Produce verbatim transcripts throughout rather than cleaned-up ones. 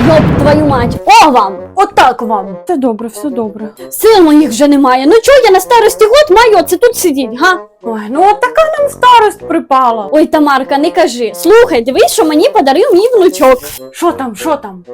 Йоп, твою мать, о вам! Отак вам! Все добре, все добре. Сил моїх вже немає. Ну чого я на старості год маю оце тут сидіть, га? Ой, ну от така нам старость припала. Ой, Тамарка, не кажи. Слухай, дивись, що мені подарив мій внучок. Що там, що там?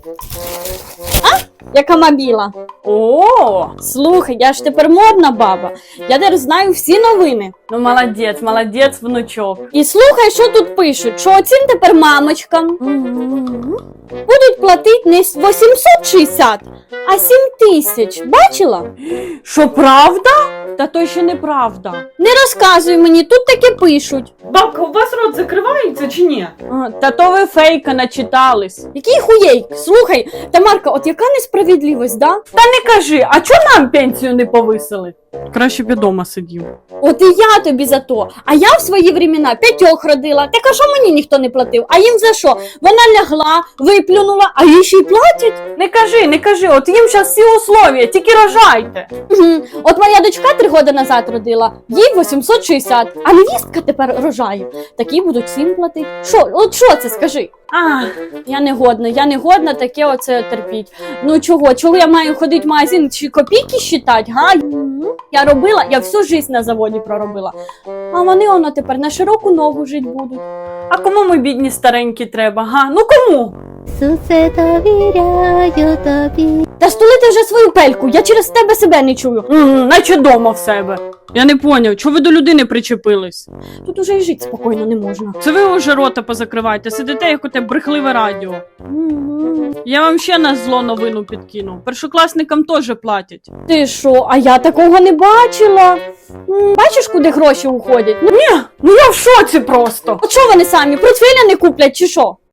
Яка мобіла. О, Слухай, я ж тепер модна баба. Я тепер знаю всі новини. ну молодець, молодець, внучок. І слухай, що тут пишуть, що оцім тепер мамочкам будуть платити не вісімсот шістдесят, а сім тисяч. Бачила? Що, правда? Та то ще неправда. Не розказуй мені, тут таке пишуть. Бабка, у вас рот закривається чи ні? А, та то ви фейка начитались. Який хуєй? Слухай, Тамарка, от яка несправедливість, да? Та не кажи, а чого нам пенсію не повисили? Краще б я дома сидів. От і я тобі за то. А я в свої времена п'ятьох родила. Так а що мені ніхто не платив? А їм за що? Вона лягла, виплюнула, а їй ще й платять? Не кажи, не кажи, от їм зараз всі условия, тільки рожайте. Угу. От моя дочка три роки назад родила, їй вісімсот шістдесят, а невістка тепер рожає. Такі будуть всім платити. Що? От що це, скажи? А, Я не годна, я не годна таке оце терпіть. Ну чого? Чого я маю ходити в магазин чи копійки считати, га? Я робила, я всю життя на заводі проробила. А вони воно тепер на широку ногу жити будуть. а кому ми бідні старенькі треба, га? Ну кому? Ісусе, довіряю тобі. Та стулити вже свою пельку, я через тебе себе не чую. М, наче дома в себе. Я не поняв, чого ви до людини причепились? Тут уже й жити спокійно не можна. Це ви уже рота позакривайте, сидите як оте брехливе радіо. Я вам ще на зло новину підкину. Першокласникам теж платять. Ти що, а я такого не бачила. М, Бачиш, куди гроші уходять? Ну, Ну я в шоці просто. от що вони самі, портфеля не куплять чи що?